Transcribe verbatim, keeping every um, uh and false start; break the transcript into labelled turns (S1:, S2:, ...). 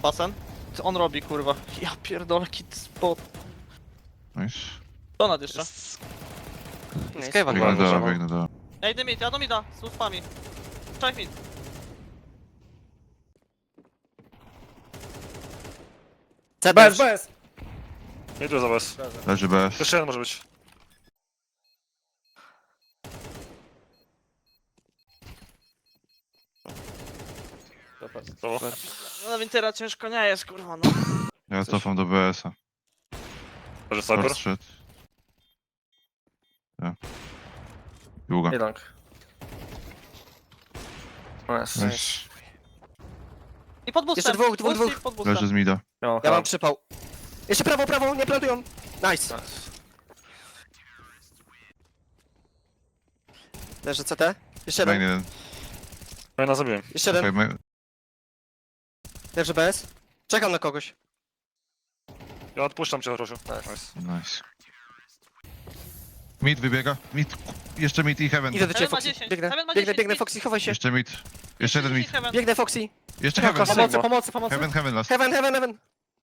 S1: basen. Co on robi, kurwa? Ja pierdolę, kit spot.
S2: Nice.
S1: Donat jeszcze.
S3: Jest...
S4: Nice.
S3: Skave'a
S2: Biegnę
S3: chyba
S2: do,
S3: leżało.
S2: biegnę do.
S1: Ja idę mid, ja do mida, z ustwami. Czaj mid.
S4: C
S5: Bez,
S4: też.
S5: bez!
S3: Nie tu za was.
S2: Leży bez.
S3: Jeszcze jeden może być. Brawo.
S1: No Wintera ciężko nie jest, kurwa, no.
S2: Ja cofam do B S-a.
S3: Może sniper?
S2: Short shot. Ja. Długa.
S5: Jeden. Nice.
S2: Nice.
S1: I pod boostem.
S4: Jeszcze dwóch, dwóch,
S1: Boosty
S4: dwóch.
S1: Pod boostem.
S2: Leży z mida.
S5: No,
S4: Ja mam przypał. Jeszcze prawo, prawo, nie plantują. Nice. Leży C T. Jeszcze
S2: Main
S4: jeden.
S2: jeden.
S3: Fajna zabiłem.
S4: Jeszcze
S2: Okej,
S4: jeden.
S2: main-
S4: Leży B S. Czekam na kogoś.
S3: Ja odpuszczam cię, Rosiu. Nice.
S2: Nice. Mid wybiega. Mid. Jeszcze mid i heaven.
S4: Idę do ciebie,
S1: Heaven ma
S4: Foxy.
S1: dziesięć.
S4: Biegnę,
S1: Heaven ma
S4: biegnę,
S1: dziesięć,
S4: biegnę,
S1: mid.
S4: Foxy, chowaj się.
S2: Jeszcze mid. Jeszcze jeden mid.
S1: Heaven.
S4: Biegnę, Foxy.
S2: Jeszcze
S3: Jaka
S2: heaven.
S3: Sigma?
S5: Pomocy, pomocy, pomocy.
S4: Heaven, heaven, heaven.